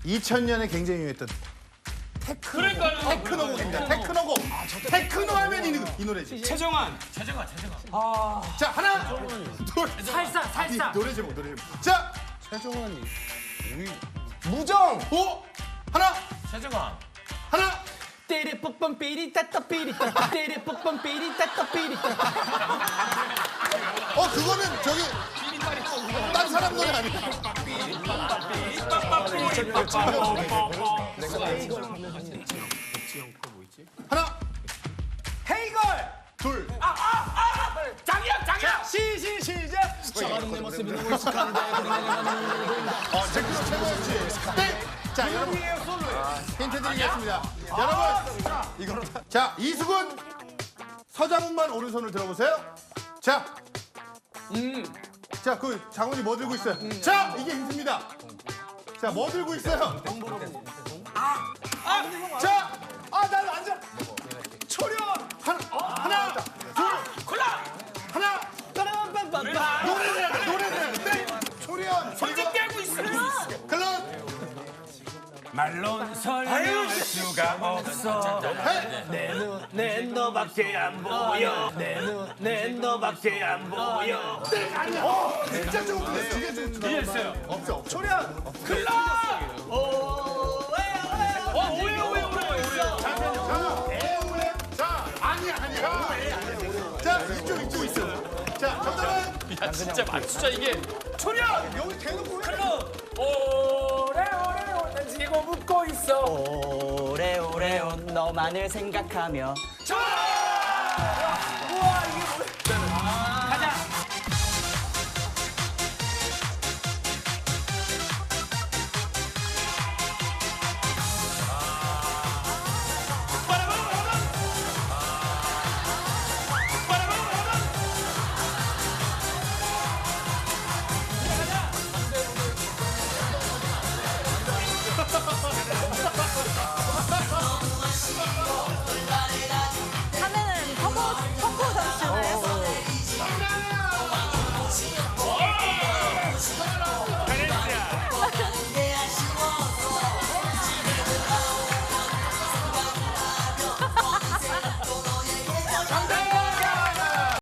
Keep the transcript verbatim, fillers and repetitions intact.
이천 년에 굉장히 유행했던 테크노. 그러니까요. 테크노곡입니다. 테크노곡. 테크노 하면 이, 이 노래지. 최정환. 최정아, 최정아. 자, 하나, 둘. 살사, 살사. 이 노래 제목, 노래 제목. 자, 최정환이. 무정. 오, 하나, 최정아. 하나. 띠리 뽀뻔 삐리 따따 삐리 따 띠리 뽀뻔 삐리 따따 삐리 따. 어, 그거는 저기 딴 사람 노래 아니야? 하나, 헤이걸. 둘. 장이야, 장이야. 시시 시작. 내 모습이 너무 익숙한데. 어, 제크도 최고였지. 땡. 자, 여러분. 힌트 드리겠습니다. 여러분. 이거로 다. 자, 이수근. 서장훈만 오른손을 들어보세요. 자. 음. 자, 그 장훈이 뭐 들고 있어요? 자, 이게 힌트입니다. 자, 뭐 들고 있어요? 아. 아. 자. 아, 난 완전. 초련. 하나. 하나. 둘. 콜라. 하나. 빠라밤밤밤. 노래를 노래를. 땡. 초련. 손짓 깨고 있어요. 클럽. 말론 설명할 수가 없어. 내 눈엔 너밖에 안 보여. 내 눈엔 너밖에 안 보여. 어, 진짜 좋은 노래. 되게 좋은 노래. 이해했어요. 없어, 없어. 초련. 클럽. 오, 왜요, 왜요. 어, 오해요, 오해요, 오해요. 자, 에어웨. 자, 아니야, 아니야. 자, 이쪽, 이쪽 있어. 자, 정답은 야, 진짜 맞추자, 이게. 초련. 여기 대놓고 왜? 오래오래 오래 지고 묻고 있어. 오래오래 온 너만을 생각하며 우와, 이게 뭐야.